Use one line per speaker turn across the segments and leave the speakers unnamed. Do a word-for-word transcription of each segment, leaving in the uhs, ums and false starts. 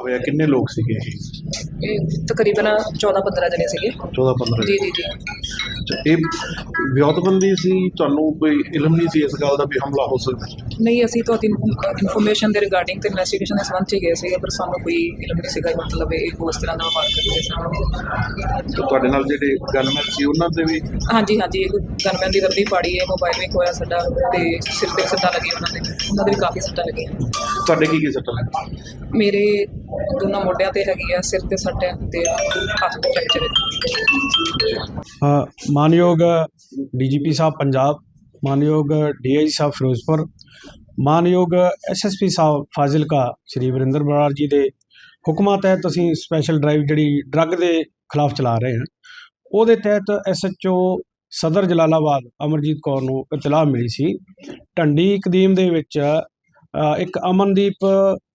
ਹੋਇਆ ਕਿੰਨੇ ਲੋਕ ਸੀਗੇ ਇਹ?
ਇਹ ਤਕਰੀਬਨ ਚੌਦਾਂ ਪੰਦਰਾਂ ਜਣੇ ਸੀਗੇ।
ਚੌਦਾਂ ਪੰਦਰਾਂ
ਜੀ ਜੀ ਜੀ
ਅੱਛਾ, ਇਹ ਵਿਉਂਤਬੰਦੀ ਸੀ, ਤੁਹਾਨੂੰ ਕੋਈ ਇਲਮ ਨਹੀਂ ਸੀ ਇਸ ਗੱਲ ਦਾ ਵੀ ਹਮਲਾ ਹੋ ਸਕਦਾ?
ਨਹੀਂ, ਅਸੀਂ ਤੁਹਾਡੀ ਇਨਫੋਰਮੇਸ਼ਨ ਦੇ ਰਿਗਾਰਡਿੰਗ ਤੇ ਇਨਵੈਸਟੀਗੇਸ਼ਨ ਦੇ ਸੰਬੰਧ 'ਚ ਹੀ ਗਏ ਸੀਗੇ, ਪਰ ਸਾਨੂੰ ਕੋਈ ਇਲਮ ਨਹੀਂ ਸੀਗਾ ਮਤਲਬ ਇਹ ਉਸ ਤਰ੍ਹਾਂ ਦਾ ਵਾਰ ਕਰਦੇ ਸੀ।
ਤੇ ਤੁਹਾਡੇ ਨਾਲ ਜਿਹੜੇ ਗਨਮੈਨ ਸੀ ਉਹਨਾਂ ਦੇ ਵੀ?
ਹਾਂਜੀ ਹਾਂਜੀ, ਇੱਕ ਗਨਮੈਨ ਦੀ ਵਰਦੀ ਪਾੜੀ ਹੈ, ਮੋਬਾਈਲ ਵੀ ਖੋਇਆ ਸਾਡਾ, ਤੇ ਸਿਰ ਤੇ ਸੱਟਾਂ ਲੱਗੀਆਂ ਉਹਨਾਂ ਦੇ ਉਹਨਾਂ ਦੇ ਵੀ ਕਾਫੀ ਸੱਟਾਂ ਲੱਗੀਆਂ।
ਤੁਹਾਡੇ ਕੀ ਕੀ ਸੱਟਾਂ ਲੱਗੀ?
ਮੇਰੇ ਦੋਨਾਂ ਮੋਢਿਆਂ ਤੇ ਹੈਗੀ ਆ, ਸਿਰ ਤੇ ਸੱਟ ਹੈ ਤੇ ਹੱਥ ਤੇ ਫ੍ਰੈਕਚਰ ਹੈ।
ਮਾਨਯੋਗ ਡੀਜੀਪੀ ਸਾਹਿਬ ਪੰਜਾਬ, ਮਾਨਯੋਗ ਡੀਆਈ ਸਾਹਿਬ ਫਿਰੋਜ਼ਪੁਰ, ਮਾਨਯੋਗ ਐਸਐਸਪੀ ਸਾਹਿਬ ਫਾਜ਼ਿਲਕਾ ਸ਼੍ਰੀ ਵਰਿੰਦਰ ਬਰਾੜ ਜੀ ਦੇ ਹੁਕਮਾਂ ਤਹਿਤ ਅਸੀਂ ਸਪੈਸ਼ਲ ਡਰਾਈਵ ਜਿਹੜੀ ਡਰੱਗ ਦੇ ਖਿਲਾਫ ਚਲਾ ਰਹੇ ਹਾਂ। ਉਹਦੇ ਤਹਿਤ ਐਸਐਚਓ ਸਦਰ ਜਲਾਲਾਬਾਦ ਅਮਰਜੀਤ ਕੌਰ ਨੂੰ ਇਤਲਾਹ ਮਿਲੀ ਸੀ ਢੰਡੀ ਕਦੀਮ ਦੇ ਵਿੱਚ ਇੱਕ ਅਮਨਦੀਪ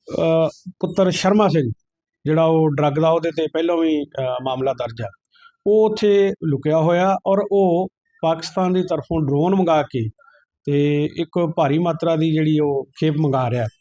ਪੁੱਤਰ ਸ਼ਰਮਾ ਸਿੰਘ ਜਿਹੜਾ ਉਹ ਡਰੱਗ ਦਾ ਉਹਦੇ 'ਤੇ ਪਹਿਲਾਂ ਵੀ ਮਾਮਲਾ ਦਰਜ ਆ, ਉਹ ਉੱਥੇ ਲੁਕਿਆ ਹੋਇਆ ਔਰ ਉਹ ਪਾਕਿਸਤਾਨ ਦੀ ਤਰਫੋਂ ਡਰੋਨ ਮੰਗਾ ਕੇ ਤੇ ਇੱਕ ਭਾਰੀ ਮਾਤਰਾ ਦੀ ਜਿਹੜੀ ਉਹ ਖੇਪ ਮੰਗਾ ਰਿਹਾ।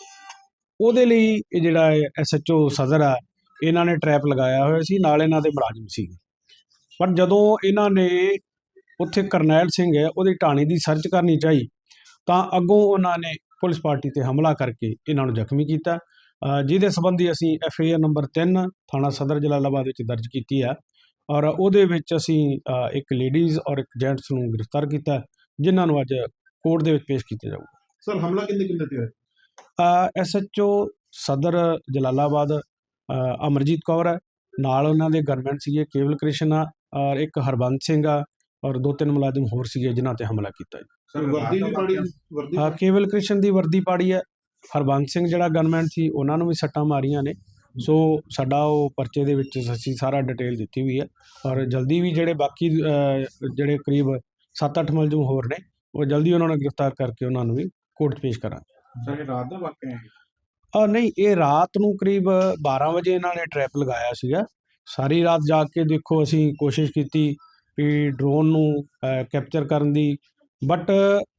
ਉਹਦੇ ਲਈ ਇਹ ਜਿਹੜਾ ਐਸ ਐਚ ਓ ਸਦਰ ਆ ਇਹਨਾਂ ਨੇ ਟਰੈਪ ਲਗਾਇਆ ਹੋਇਆ ਸੀ, ਨਾਲ ਇਹਨਾਂ ਦੇ ਮੁਲਾਜ਼ਮ ਸੀ। ਪਰ ਜਦੋਂ ਇਹਨਾਂ ਨੇ ਉੱਥੇ ਕਰਨੈਲ ਸਿੰਘ ਹੈ ਉਹਦੀ ਢਾਣੀ ਦੀ ਸਰਚ ਕਰਨੀ ਚਾਹੀ ਤਾਂ ਅੱਗੋਂ ਉਹਨਾਂ ਨੇ ਪੁਲਿਸ ਪਾਰਟੀ 'ਤੇ ਹਮਲਾ ਕਰਕੇ ਇਹਨਾਂ ਨੂੰ ਜ਼ਖਮੀ ਕੀਤਾ, ਜਿਹਦੇ ਸੰਬੰਧੀ ਅਸੀਂ ਐਫ ਆਈ ਆਰ ਨੰਬਰ ਤਿੰਨ ਥਾਣਾ ਸਦਰ ਜਲਾਲਾਬਾਦ ਵਿੱਚ ਦਰਜ ਕੀਤੀ ਆ ਔਰ ਉਹਦੇ ਵਿੱਚ ਅਸੀਂ ਇੱਕ ਲੇਡੀਜ਼ ਔਰ ਇੱਕ ਜੈਂਟਸ ਨੂੰ ਗ੍ਰਿਫਤਾਰ ਕੀਤਾ, ਜਿਨ੍ਹਾਂ ਨੂੰ ਅੱਜ ਕੋਰਟ ਦੇ ਵਿੱਚ ਪੇਸ਼ ਕੀਤਾ ਜਾਊਗਾ।
ਸਰ, ਹਮਲਾ ਕਿੰਨੇ ਕਿੰਨੇ ਤੇ ਹੋਇਆ?
ਐਸ ਐਚ ਓ ਸਦਰ ਜਲਾਲਾਬਾਦ ਅਮਰਜੀਤ ਕੌਰ ਹੈ, ਨਾਲ ਉਹਨਾਂ ਦੇ ਗਨਮੈਨ ਸੀਗੇ ਕੇਵਲ ਕ੍ਰਿਸ਼ਨ ਆ ਔਰ ਇੱਕ ਹਰਬੰਸ ਸਿੰਘ ਆ ਔਰ ਦੋ ਤਿੰਨ ਮੁਲਾਜ਼ਮ ਹੋਰ ਸੀਗੇ ਜਿਨ੍ਹਾਂ ਤੇ ਹਮਲਾ ਕੀਤਾ ਜੀ।
ਸਰ, ਵਰਦੀ ਵੀ ਪਾੜੀ? ਵਰਦੀ
ਹਾਂ, ਕੇਵਲ ਕ੍ਰਿਸ਼ਨ ਦੀ ਵਰਦੀ ਪਾੜੀ ਹੈ, ਹਰਬੰਸ ਸਿੰਘ ਜਿਹੜਾ ਗਨਮੈਨ ਸੀ ਉਹਨਾਂ ਨੂੰ ਵੀ ਸੱਟਾਂ ਮਾਰੀਆਂ ਨੇ। ਸੋ ਸਾਡਾ ਉਹ ਪਰਚੇ ਦੇ ਵਿੱਚ ਅਸੀਂ ਸਾਰਾ ਡਿਟੇਲ ਦਿੱਤੀ ਹੋਈ ਹੈ ਔਰ ਜਲਦੀ ਵੀ ਜਿਹੜੇ ਬਾਕੀ ਜਿਹੜੇ ਕਰੀਬ ਸੱਤ ਅੱਠ ਮੁਲਜ਼ਮ ਹੋਰ ਨੇ ਉਹ ਜਲਦੀ ਉਹਨਾਂ ਨੂੰ ਗ੍ਰਿਫਤਾਰ ਕਰਕੇ ਉਹਨਾਂ ਨੂੰ ਵੀ ਕੋਰਟ ਪੇਸ਼ ਕਰਾਂਗੇ।
ਸਰ, ਇਹ ਰਾਤ ਦਾ ਵਾਕਿਆ ਹੈ?
ਆ ਨਹੀਂ, ਇਹ ਰਾਤ ਨੂੰ ਕਰੀਬ ਬਾਰਾਂ ਵਜੇ ਇਹਨਾਂ ਨੇ ਟਰੈਪ ਲਗਾਇਆ ਸੀਗਾ। ਸਾਰੀ ਰਾਤ ਜਾ ਕੇ ਦੇਖੋ ਅਸੀਂ ਕੋਸ਼ਿਸ਼ ਕੀਤੀ ਵੀ ਡਰੋਨ ਨੂੰ ਕੈਪਚਰ ਕਰਨ ਦੀ, ਬਟ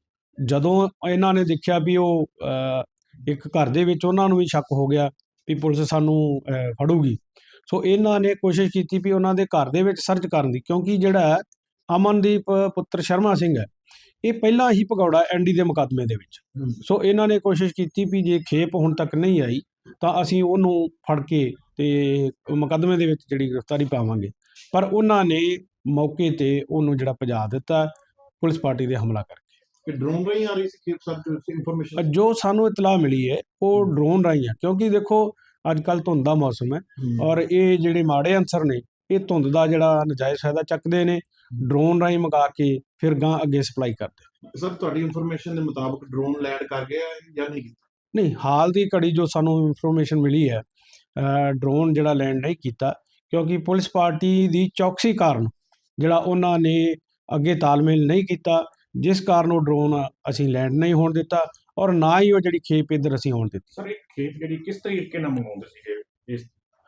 ਜਦੋਂ ਇਹਨਾਂ ਨੇ ਦੇਖਿਆ ਵੀ ਉਹ ਇੱਕ ਘਰ ਦੇ ਵਿੱਚ ਉਹਨਾਂ ਨੂੰ ਵੀ ਸ਼ੱਕ ਹੋ ਗਿਆ ਵੀ ਪੁਲਿਸ ਸਾਨੂੰ ਫੜੂਗੀ, ਸੋ ਇਹਨਾਂ ਨੇ ਕੋਸ਼ਿਸ਼ ਕੀਤੀ ਵੀ ਉਹਨਾਂ ਦੇ ਘਰ ਦੇ ਵਿੱਚ ਸਰਚ ਕਰਨ ਦੀ, ਕਿਉਂਕਿ ਜਿਹੜਾ ਅਮਨਦੀਪ ਪੁੱਤਰ ਸ਼ਰਮਾ ਸਿੰਘ ਹੈ ਇਹ ਪਹਿਲਾਂ ਹੀ ਭਗੌੜਾ ਐਨ ਡੀ ਦੇ ਮੁਕੱਦਮੇ ਦੇ ਵਿੱਚ। ਸੋ ਇਹਨਾਂ ਨੇ ਕੋਸ਼ਿਸ਼ ਕੀਤੀ ਵੀ ਜੇ ਖੇਪ ਹੁਣ ਤੱਕ ਨਹੀਂ ਆਈ ਤਾਂ ਅਸੀਂ ਉਹਨੂੰ ਫੜ ਕੇ ਤੇ ਮੁਕੱਦਮੇ ਦੇ ਵਿੱਚ ਜਿਹੜੀ ਗ੍ਰਿਫਤਾਰੀ ਪਾਵਾਂਗੇ, ਪਰ ਉਹਨਾਂ ਨੇ ਮੌਕੇ ਤੇ ਉਹਨੂੰ ਜਿਹੜਾ ਭਜਾ ਦਿੱਤਾ ਪੁਲਿਸ ਪਾਰਟੀ ਦੇ ਹਮਲਾ ਕਰਕੇ।
ਡਰੋਨ ਰਾਹੀਂ ਆ ਰਹੀ ਸੀ ਖੇਪ? ਸਰ, ਇਨਫੋਰਮੇਸ਼ਨ
ਜੋ ਸਾਨੂੰ ਇਤਲਾਹ ਮਿਲੀ ਹੈ ਉਹ ਡਰੋਨ ਰਾਹੀਂ ਆ, ਕਿਉਂਕਿ ਦੇਖੋ ਅੱਜ ਕੱਲ੍ਹ ਧੁੰਦ ਦਾ ਮੌਸਮ ਹੈ ਔਰ ਇਹ ਜਿਹੜੇ ਮਾੜੇ ਅਨਸਰ ਨੇ ਇਹ ਧੁੰਦ ਦਾ ਜਿਹੜਾ ਨਜਾਇਜ਼ ਫਾਇਦਾ ਚੱਕਦੇ ਨੇ, ਡਰੋਨ ਰਾਹੀਂ ਮੰਗਾ ਕੇ ਫਿਰ ਗਾਂ ਅੱਗੇ ਸਪਲਾਈ ਕਰਦੇ।
ਸਰ, ਤੁਹਾਡੀ ਇਨਫੋਰਮੇਸ਼ਨ ਦੇ ਮੁਤਾਬਕ ਡਰੋਨ ਲੈਂਡ ਕਰ ਗਿਆ ਜਾਂ ਨਹੀਂ?
ਨਹੀਂ, ਹਾਲ ਦੀ ਘੜੀ ਜੋ ਸਾਨੂੰ ਇਨਫੋਰਮੇਸ਼ਨ ਮਿਲੀ ਹੈ ਡਰੋਨ ਜਿਹੜਾ ਲੈਂਡ ਨਹੀਂ ਕੀਤਾ, ਕਿਉਂਕਿ ਪੁਲਿਸ ਪਾਰਟੀ ਦੀ ਚੌਕਸੀ ਕਾਰਨ ਜਿਹੜਾ ਉਹਨਾਂ ਨੇ ਅੱਗੇ ਤਾਲਮੇਲ ਨਹੀਂ ਕੀਤਾ, ਜਿਸ ਕਾਰਨ ਉਹ ਡਰੋਨ ਅਸੀਂ ਲੈਂਡ ਨਹੀਂ ਹੋਣ ਦਿੱਤਾ ਔਰ ਨਾ ਹੀ ਉਹ ਜਿਹੜੀ ਖੇਪ ਇੱਧਰ ਅਸੀਂ ਹੋਣ ਦਿੱਤੀ।
ਸਰ, ਇਹ ਖੇਪ ਜਿਹੜੀ ਕਿਸ ਤਰੀਕੇ ਨਾਲ ਮੰਗਾਉਂਦੇ ਸੀਗੇ ਇਸ?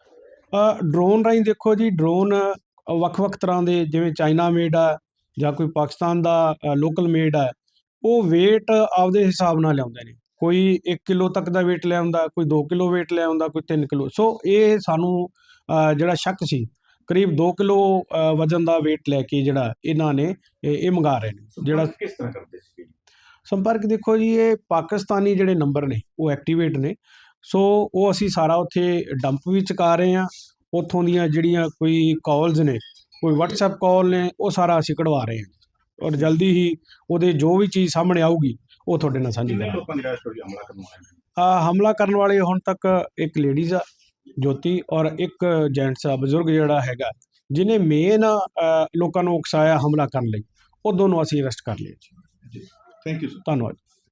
ਡਰੋਨ ਰਾਹੀਂ ਦੇਖੋ ਜੀ, ਡਰੋਨ ਵੱਖ-ਵੱਖ ਤਰ੍ਹਾਂ ਦੇ, ਜਿਵੇਂ ਚਾਈਨਾ ਮੇਡ ਆ ਜਾਂ ਕੋਈ ਪਾਕਿਸਤਾਨ ਦਾ ਲੋਕਲ ਮੇਡ ਆ, ਉਹ ਵੇਟ ਆਪਦੇ ਹਿਸਾਬ ਨਾਲ ਲਿਆਉਂਦੇ ਨੇ। ਕੋਈ ਇੱਕ ਕਿਲੋ ਤੱਕ ਦਾ ਵੇਟ ਲੈ ਆਉਂਦਾ, ਕੋਈ ਦੋ ਕਿਲੋ ਵੇਟ ਲੈ ਆਉਂਦਾ, ਕੋਈ ਤਿੰਨ ਕਿਲੋ। ਸੋ ਇਹ ਸਾਨੂੰ ਜਿਹੜਾ ਸ਼ੱਕ ਸੀ ਕਰੀਬ ਦੋ ਕਿਲੋ ਵਜ਼ਨ ਦਾ ਵੇਟ ਲੈ ਕੇ ਜਿਹੜਾ ਇਹਨਾਂ ਨੇ ਇਹ ਮੰਗਾ ਰਹੇ ਨੇ। ਜਿਹੜਾ
ਕਿਸ ਤਰ੍ਹਾਂ ਕਰਦੇ ਸੀ
ਸੰਪਰਕ? ਦੇਖੋ ਜੀ, ਇਹ ਪਾਕਿਸਤਾਨੀ ਜਿਹੜੇ ਨੰਬਰ ਨੇ ਉਹ ਐਕਟੀਵੇਟ ਨੇ, ਸੋ ਉਹ ਅਸੀਂ ਸਾਰਾ ਉੱਥੇ ਡੰਪ ਵੀ ਚੁਕਾ ਰਹੇ ਹਾਂ। ਉੱਥੋਂ ਦੀਆਂ ਜਿਹੜੀਆਂ ਕੋਈ ਕਾਲਸ ਨੇ, ਕੋਈ ਵਟਸਐਪ ਕਾਲ ਨੇ, ਉਹ ਸਾਰਾ ਅਸੀਂ ਕਢਵਾ ਰਹੇ ਹਾਂ ਔਰ ਜਲਦੀ ਹੀ ਉਹਦੇ ਜੋ ਵੀ ਚੀਜ਼ ਸਾਹਮਣੇ ਆਊਗੀ ਉਹ ਤੁਹਾਡੇ ਨਾਲ ਸਾਂਝੀ ਕਰਾਂਗੇ।
ਲੋਕਾਂ ਦੀ ਰਾਸ਼ ਹੋਈ ਹਮਲਾ ਕਰਨ ਵਾਲੇ?
ਆ ਹਮਲਾ ਕਰਨ ਵਾਲੇ ਹੁਣ ਤੱਕ ਇੱਕ ਲੇਡੀਜ਼ ਆ ਜੋਤੀ ਔਰ ਇੱਕ ਜੈਂਟਸ ਆ ਬਜ਼ੁਰਗ ਜਿਹੜਾ ਹੈਗਾ, ਜਿਹਨੇ ਮੇਨ ਲੋਕਾਂ ਨੂੰ ਉਕਸਾਇਆ ਹਮਲਾ ਕਰਨ ਲਈ, ਉਹ ਦੋਨੋਂ ਅਸੀਂ ਅਰੈਸਟ ਕਰ ਲਏ ਜੀ।
Thank you sir.
ਧੰਨਵਾਦ।